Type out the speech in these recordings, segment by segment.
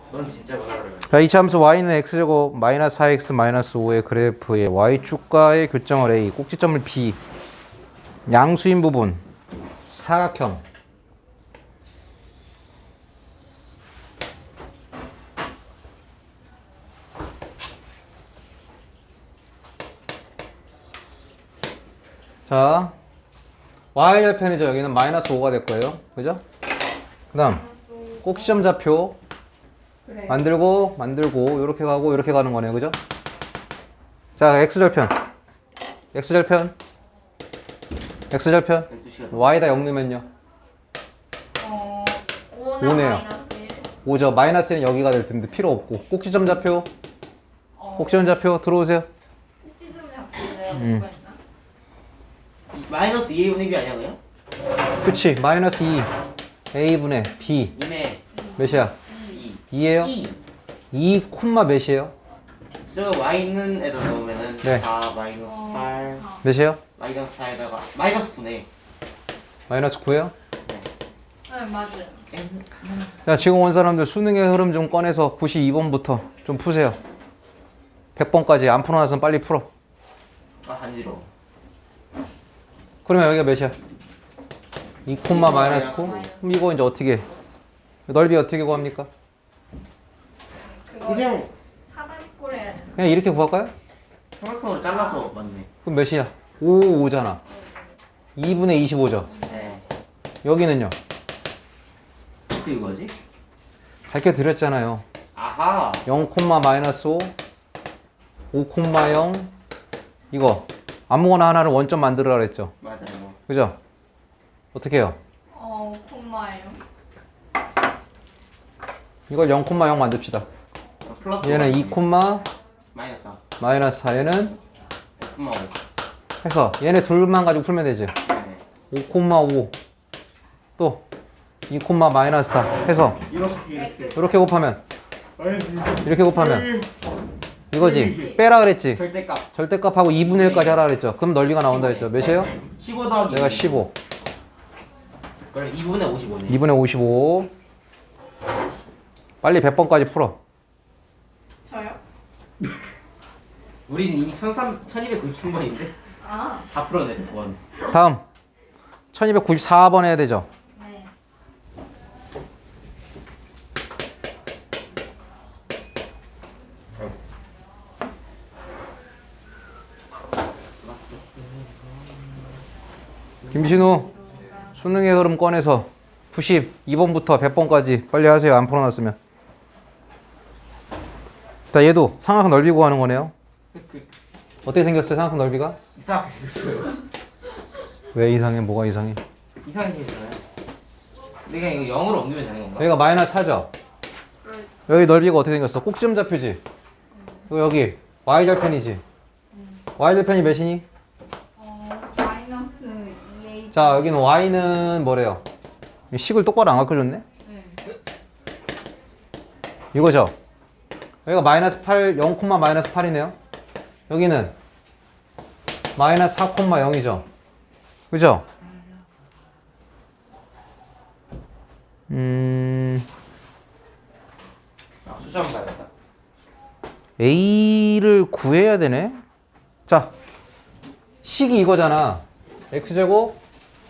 넌 진짜 뭐라 그래. 자, 이차 함수 y는 x제곱 마이너스 4x 마이너스 5의 그래프의 y축과의 교점을 a, 꼭지점을 b, 양수인 부분, 사각형. 자, y절편이죠. 여기는 마이너스 5가 될 거예요. 그죠? 그 다음 꼭지점 좌표 그래. 만들고 이렇게 가고 이렇게 가는 거네요. 그죠? 자, x절편 x절편 12시간. y다 0 넣으면요 5는 오네요. 마이너스 1. 5죠. 마이너스는 여기가 될 텐데 필요 없고 꼭지점 좌표 꼭지점 좌표 들어오세요. 꼭지점 잡기래요. 뭐가 있나? 마이너스 2a분의 b 아니야 그냥? 그치. 마이너스 2 a분의 b 2네. 몇이야? 2. 2예요? 2. 2 콤마 몇이에요? 저 y는 에다 넣으면은 네. 4 마이너스 8 몇이에요? 마이너스 4에다가 마이너스 9네. 마이너스 9예요? 네, 맞아요. 자, 지금 온 사람들 수능의 흐름 좀 꺼내서 92번부터 좀 푸세요. 100번까지 안 풀어놔서 빨리 풀어. 아 간지러워. 그러면 여기가 몇이야? 2 콤마 마이너스 9? 그럼 이거 이제 어떻게 해? 넓이 어떻게 구합니까? 그거 그냥 사다리꼴 해야 되나? 그냥 이렇게 구할까요? 삼각형으로 잘라서 맞네. 그럼 몇이야? 5잖아. 2분의 25죠. 네. 여기는요? 어떻게 이거지? 밝혀 드렸잖아요. 아하. 0 콤마 마이너스 5, 5 콤마 0. 이거 아무거나 하나를 원점 만들으라 그랬죠. 맞아요. 그죠? 어떻게 해요? 콤마예요. 이걸 0 콤마 0 만듭시다. 플러스 얘는 2 콤마 마이너스 4. 마이너스 4. 얘는 9,5. 해서 얘네 둘만 가지고 풀면 되지. 네. 5 콤마 5. 또 2 콤마 마이너스 4 해서 이렇게 이렇게 곱하면 이렇게 곱하면 이거지. 빼라 그랬지. 절대값. 절대값하고 2분의 1까지 하라 그랬죠. 그럼 넓이가 나온다 했죠. 몇이에요? 15 더하기 내가 15. 그래 2분의 55네. 2분의 55. 빨리 100번까지 풀어. 저요? 우리는 이미 1293번인데 아, 다 풀어내 원. 다음 1294번 해야 되죠. 네. 김신우 수능의 흐름 꺼내서 92번부터 100번까지 빨리 하세요. 안 풀어놨으면. 자, 얘도 삼각형 넓이 구하는 거네요. 어떻게 생겼어요? 삼각형 넓이가? 이상하게 생겼어요. 왜 이상해? 뭐가 이상해? 이상하게 생겼잖아요. 내가 이거 0으로 옮기면 되는 건가? 여기가 마이너스 4죠? 여기 넓이가 어떻게 생겼어? 꼭지점 좌표지? 그리고 여기 y절편이지? y절편이 몇이니? 마이너스 2a. 자, 여기는 y는 뭐래요? 식을 똑바로 안 가르쳐줬네? 네. 이거죠? 여기가 마이너스 8, 0, 마이너스 8이네요. 여기는 마이너스 4, 0이죠? 그죠? 숫자 한번 봐야겠다. A를 구해야 되네? 자, 식이 이거잖아. X제곱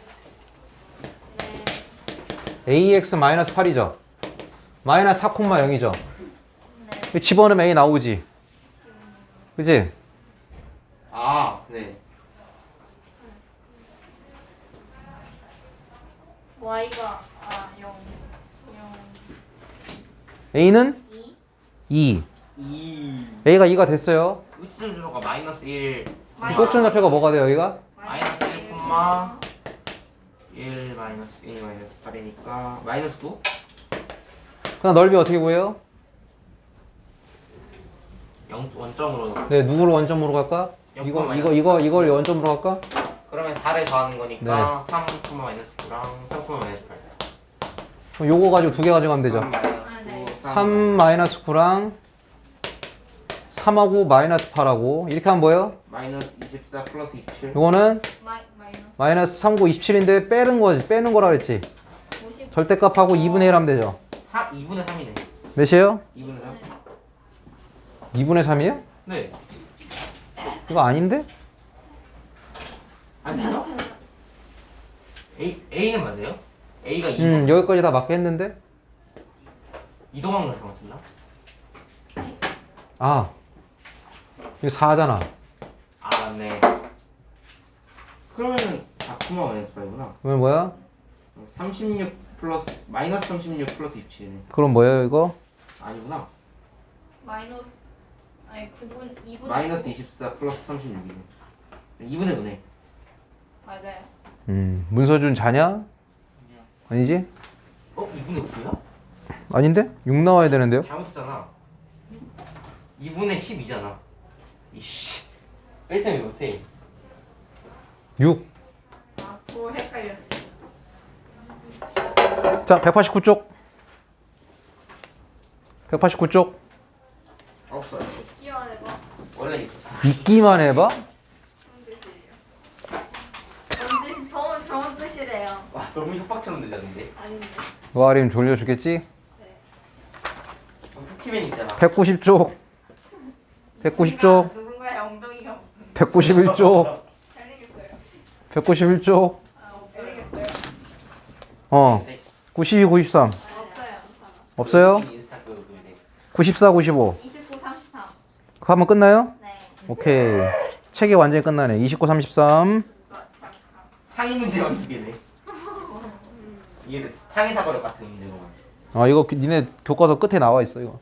AX 마이너스 8이죠? 마이너스 4, 0이죠? 집어넣으면 A 나오지? 그지? 아, 네. y가 0. A는 2. 2. A가 2가 됐어요. 우치점 주소가 마이너스 1. 꼭지점 좌표가 뭐가 돼요, 여기가? 마이너스 1, 1 마이너스 1 마이너스 8이니까 마이너스 9? 그다음 넓이 어떻게 구해요? 0 원점으로 넣어. 네, 누구를 원점으로 갈까? 이걸 원점으로 갈까? 그러면 4를 더하는 거니까 네. 3, 마이너스 9랑 3, 마이너스 8. 그럼 요거 가지고 두 개 가져가면 되죠. 3 마이너스 9, 네. 3 마이너스 9랑 3하고 마이너스 8하고 이렇게 하면 뭐예요? 마이너스 24 플러스 27. 요거는 마이너스 마이너스 3, 9, 27인데 빼는 거지. 빼는 거라 그랬지. 50. 절대값하고 2분의 1 하면 되죠. 2분의 3이네. 몇이에요? 2분의 3? 2분의 3이에요? 네. 이거 아닌데? 아니요? A는 맞아요? A가 2번. 여기까지 다 맞게 했는데? 이동한 거 잘못했나? 아, 이거 4잖아. 아 맞네. 그러면은 4, 마이너스 8이구나. 그러면 뭐야? 36 플러스 마이너스 36 플러스 27이네. 그럼 뭐예요 이거? 아니구나. 마이너스 아니 9분 2분 마이너스 24 플러스 36이네. 2분의 9네. 맞아요. 문서준 자냐? 아니지? 2분의 9야? 아닌데? 6 나와야 되는데요? 잘못했잖아. 2분의 12잖아. 이씨. 뺄셈이 못해. 6. 아 그거 헷갈렸어. 자, 189쪽. 189쪽. 없어요. 끼워내 봐. 원래 있었어. 믿기만 해봐? 좋은 뜻이래요. 와 너무 협박처럼 들렸는데. 아닌데. 와림 졸려주겠지? 쿠키맨 있잖아. 190쪽. 190쪽. 누군가의 엉덩이가 191쪽. 잘생겼어요. 191쪽. 아 없어요. 92, 93. 없어요. 없어요? 인스타 그 네. 94, 95. 29, 33. 그거 하면 끝나요? 네. 오케이. 책이 완전히 끝나네. 29, 33. 창의 문제만 이게네. 이게 창의 사고력 같은 문제구만. 아, 이거 니네 교과서 끝에 나와 있어, 이거.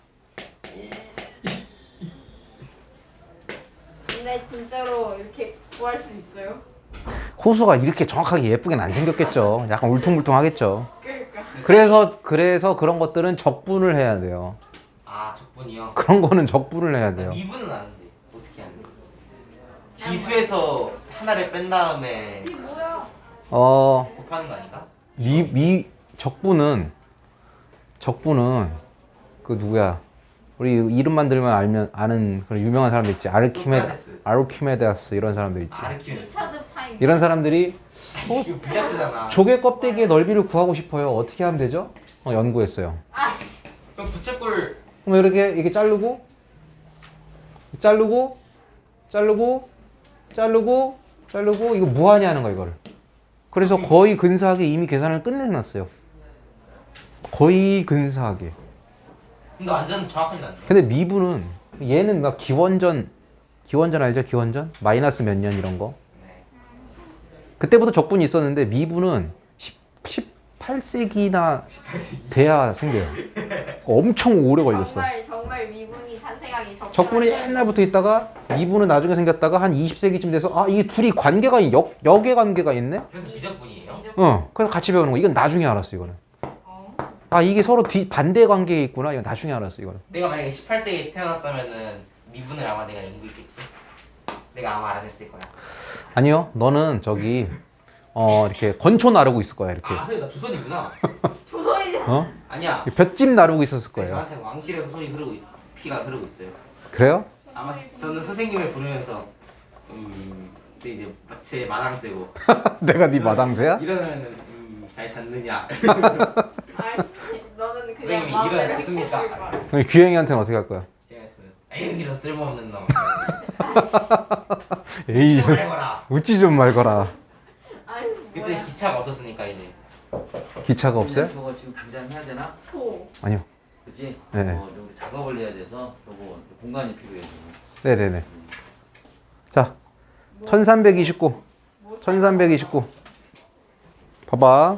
근데 진짜로 이렇게 구할 수 있어요? 호수가 이렇게 정확하게 예쁘게는 안 생겼겠죠. 약간 울퉁불퉁하겠죠. 그러니까. 그래서 그런 것들은 적분을 해야 돼요. 아 적분이요. 그런 거는 적분을 해야 돼요. 미분은 아는데 어떻게 하는데? 지수에서 하나를 뺀 다음에 이게 뭐야? 곱하는 거 아닌가? 적분은 그 누구야? 우리 이름만 들면 아는 그런 유명한 사람들 있지. 소크라테스. 아르키메데스 이런 사람들 있지. 아르키메데스. 리차드 파인. 이런 사람들이 이거 빌라스잖아. 조개 껍데기의 넓이를 구하고 싶어요. 어떻게 하면 되죠? 연구했어요. 그럼 부채꼴 그럼 이렇게 자르고 이거 무한히 하는 거야 이거를. 그래서 거의 근사하게 이미 계산을 끝내놨어요. 거의 근사하게. 근데 완전 정확하진 않네. 근데 미분은 얘는 막 기원전 알죠? 기원전? 마이너스 몇 년 이런 거. 그때부터 적분이 있었는데 미분은 18세기나 18세기. 돼야 생겨요. 엄청 오래 걸렸어. 정말 미분이 탄생하기 전. 적분이 옛날부터 있다가 미분은 나중에 생겼다가 한 20세기쯤 돼서 아 이게 둘이 관계가 역의 관계가 있네? 그래서 미적분이에요? 그래서 같이 배우는 거. 이건 나중에 알았어 이거는. 아 이게 서로 반대 관계에 있구나. 이건 나중에 알았어 이거는. 내가 만약에 18세기에 태어났다면은 미분을 아마 내가 연구했겠지. 내가 아마 알아냈을 거야. 아니요, 너는 저기 이렇게 건초 나르고 있을 거야 이렇게. 아, 그래 나 조선이구나. 조선이. 아니야. 볏짚 나르고 있었을 거예요. 저한테 왕실에서 피가 흐르고 있어요. 그래요? 아마 저는 선생님을 부르면서 이제 제 마당 쓰고 내가 네 마당새야? 이러면은 잘 잤느냐. 아이 너는 그냥 선생님이 마음대로 일어났습니까? 해줄 거야. 그럼 규행이한테는 어떻게 할 거야? 에이 이런 쓸모없는 놈. 에이 좀 해봐라. 웃지 좀 말거라. 아이 그때 뭐야? 기차가 없었으니까 이제. 기차가 없어요? 저거 지금 당장 해야 되나? 소. 아니요. 그치? 네. 좀 작업을 해야 돼서 저거 공간이 필요해. 지금. 네네네. 자, 1329. 1329. 봐봐.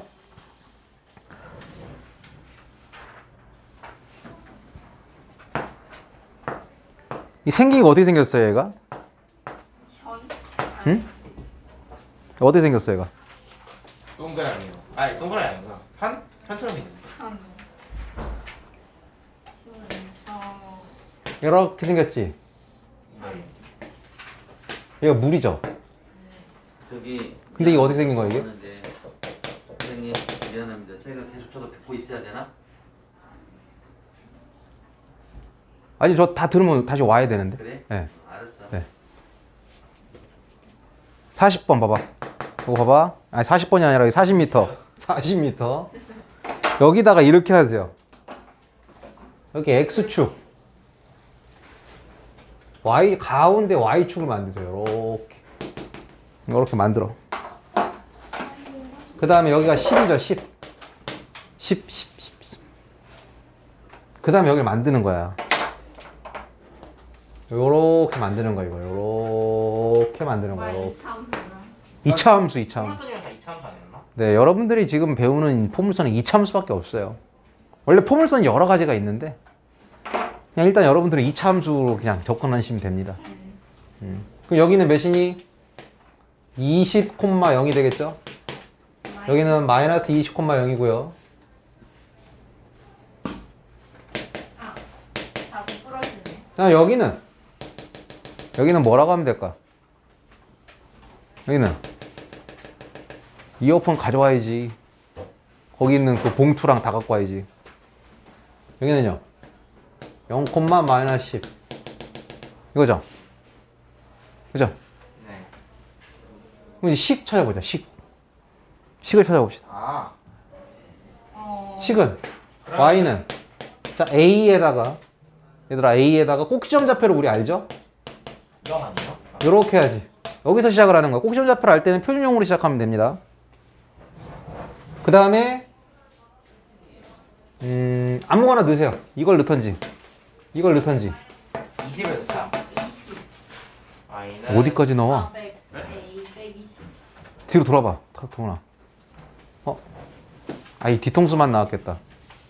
이 생긴 게 어떻게 생겼어요, 얘가? 현. 응? 어떻게 생겼어요, 얘가? 동그라미요. 아니 동그라미 아니구나. 판처럼 있는데. 현. 이렇게 생겼지? 얘가 물이죠? 저기. 근데 이게 어떻게 생긴 거야, 이게? 하는데, 선생님 미안합니다. 저희가 계속 저거 듣고 있어야 되나? 아니, 저 다 들으면 다시 와야 되는데. 그래? 네. 알았어. 네. 40번 봐봐. 이거 봐봐. 아니 40번이 아니라 40m. 40m. 여기다가 이렇게 하세요. 여기 x축 y 가운데 y축을 만드세요. 이렇게 만들어. 그 다음에 여기가 10이죠. 10. 그 다음에 여기를 만드는 거야. 요렇게 만드는 거야. 요렇게 만드는 거야. 요렇게. 이차함수. 포물선이랑 다 이차함수 아니었나? 네, 여러분들이 지금 배우는 포물선은 이차함수밖에 없어요. 원래 포물선이 여러 가지가 있는데 그냥 일단 여러분들은 이차함수로 그냥 접근하시면 됩니다. 그럼 여기는 몇이니? 20,0이 되겠죠? 여기는 마이너스 20,0이고요. 자꾸 부러지네. 자, 여기는 뭐라고 하면 될까? 여기는 이어폰 가져와야지. 거기 있는 그 봉투랑 다 갖고 와야지. 여기는요 0, 마이너스 10 이거죠? 그죠? 네. 그럼 이제 식 찾아보자. 식을 찾아봅시다. 아. 식은 그러면- y는 자 a에다가 얘들아 a에다가 꼭지점 좌표를 우리 알죠? 0 아니에요? 요렇게 해야지. 여기서 시작을 하는 거야. 꼭지점 좌표를 알 때는 표준형으로 시작하면 됩니다. 그 다음에 아무거나 넣으세요. 이걸 넣던지 20에서 3. y는 어디까지 넣어? 100, A, 120. 뒤로 돌아봐. 동훈아. 이 뒤통수만 나왔겠다.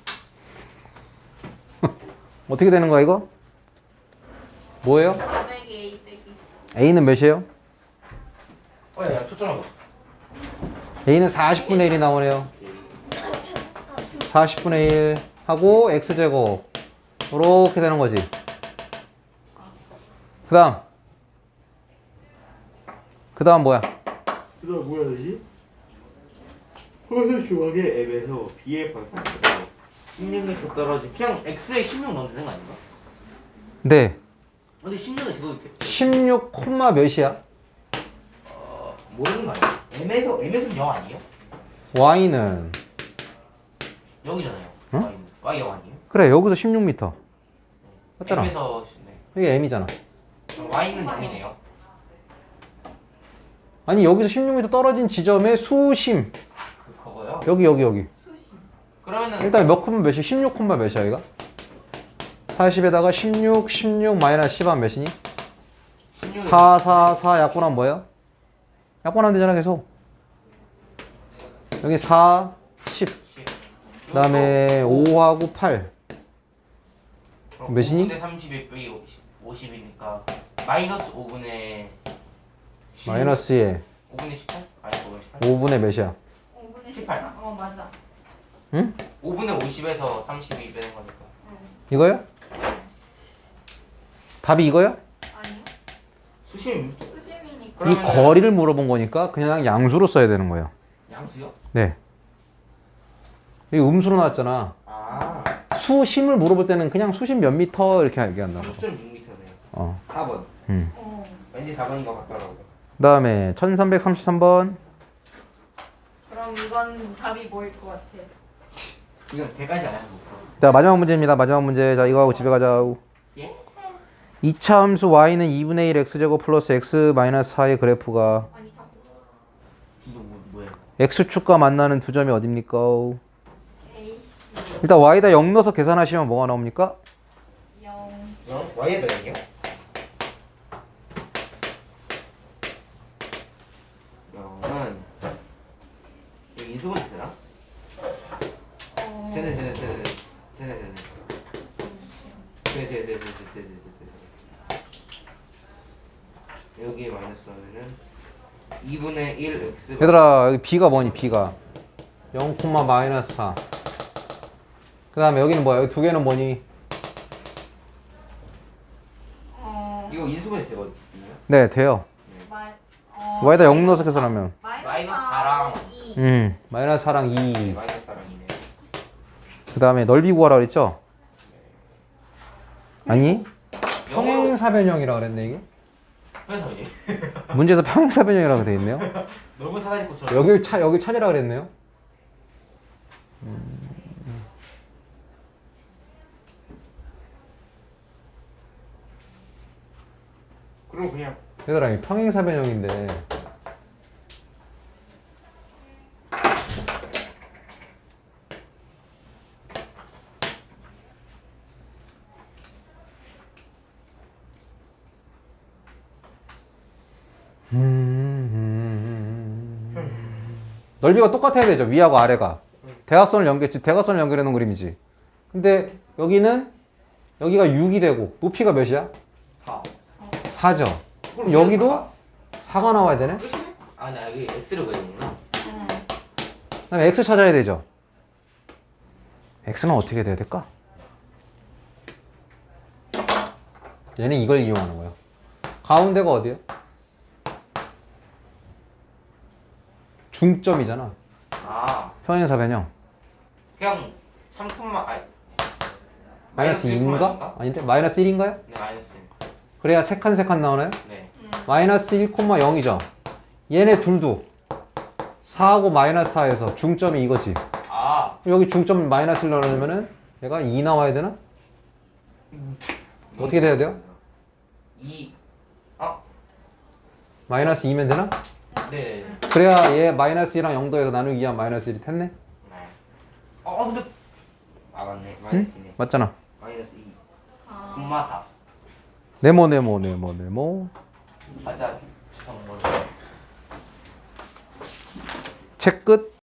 어떻게 되는 거야 이거? 뭐예요? 100, A, 120. a는 몇이에요? 야, 초점하고. a는 40분의 1이 나오네요. 40분의 1 하고 x제곱 이렇게 되는 거지. 그 다음 뭐야? 그다음 뭐야 되지? 호수 조각의 앱에서 B의 발판에서 16m 떨어진 그냥 X에 16 넣으면 되는 거 아닌가? 네. 근데 16은 제도 16, 몇이야? 모르는 거 아니야? M에서는 0 아니에요? y는 여기잖아요. 응? Y 0 아니에요? 그래 여기서 16m 맞잖아. M에서 네. 이게 m이잖아. 그럼 Y는 0이네요. 아니 여기서 16m 떨어진 지점의 수심 그거요? 여기 그러면은 일단 몇 콤마 몇이야? 16 콤마 몇이야 이가? 40에다가 16 마이너스 10 하면 몇이니? 16을 4 약분하면 뭐예요? 약분하면 되잖아 계속. 여기 4, 10 그 다음에 5하고 8 몇이니? 5분의 31 빼기 50이니까 마이너스 5분의 16? 마이너스에 5분의 18? 아니 5분의 18? 5분의 몇이야? 5분의 18. 맞아. 응? 5분의 50에서 32 빼는 거니까. 이거요? 답이 이거요? 아니요. 수심 수심이니까. 이 거리를 물어본 거니까 그냥 양수로 써야 되는 거예요. 양수요? 네. 이 음수로 나왔잖아. 아, 수심을 물어볼 때는 그냥 수심 몇 미터 이렇게 얘기한다고. 3.6m네요. 4번. 왠지 4번인 것 같더라고요. 그 다음에 1333번. 그럼 이건 답이 뭐일 것 같아? 이건 대까지 안 해서 못 풀어. 자 마지막 문제입니다. 마지막 문제. 자 이거 하고 집에 가자. 예? 2차 함수 y는 2분의 1 x제곱 플러스 x 마이너스 4의 그래프가 아니 자꾸. 이거 뭐예요? x축과 만나는 두 점이 어딥니까? A, 일단 y에다 0 넣어서 계산하시면 뭐가 나옵니까? 0. Y에다 0이요? 0은 여기 인수분 되나? 되네. 여기에 마이너스 하면은 2분의 1 x 얘들아 여기 b가 뭐니 b가 0, 마이너스 4. 그 다음에 여기는 뭐야? 여기 두 개는 뭐니? 이거 인수분해 되거든요. 네 돼요. y에다 0 넣어서 계산하면 마이너스 4랑 2. 마이너스 4랑 2. 마이너스 4랑이네. 그 다음에 넓이 구하라 그랬죠? 아니 평행사변형이라 그랬네 이게? 그래서 이게 문제에서 평행사변형이라고 돼 있네요. 너무 사다리꽃처럼. 여길 찾으라 그랬네요. 그럼 그냥 얘들아 이 평행사변형인데 넓이가 똑같아야 되죠. 위하고 아래가. 대각선을 대각선을 연결해 놓은 그림이지. 근데 여기는 여기가 6이 되고 높이가 몇이야? 4. 4죠. 그럼 여기도 4가 나와야 되네. 아, 나 여기 X를 그렸구나. 그다음에 x 찾아야 되죠. x는 어떻게 돼야 될까? 얘는 이걸 이용하는 거예요. 가운데가 어디야? 중점이잖아. 아, 평행사변형. 그냥 3, 아니 마이너스 2인가? 아닌가? 아닌데? 마이너스 1인가요? 네, 마이너스. 그래야 세 칸 나오나요? 네. 마이너스 1,0이죠. 얘네 둘도 4하고 마이너스 4에서 중점이 이거지. 아, 여기 중점 마이너스 1 넣으려면은 얘가 2 나와야 되나? 어떻게 돼야 돼요? 2. 마이너스 2면 되나? 네. 그래야 얘 마이너스 2랑 0도에서 나누기 2한 마이너스 1이 됐네? 네. 근데 맞네. 마이너스네. 맞잖아. 마이너스 2. 아. 콤마 4. 네모. 맞아. 주성 뭘. 책 끝.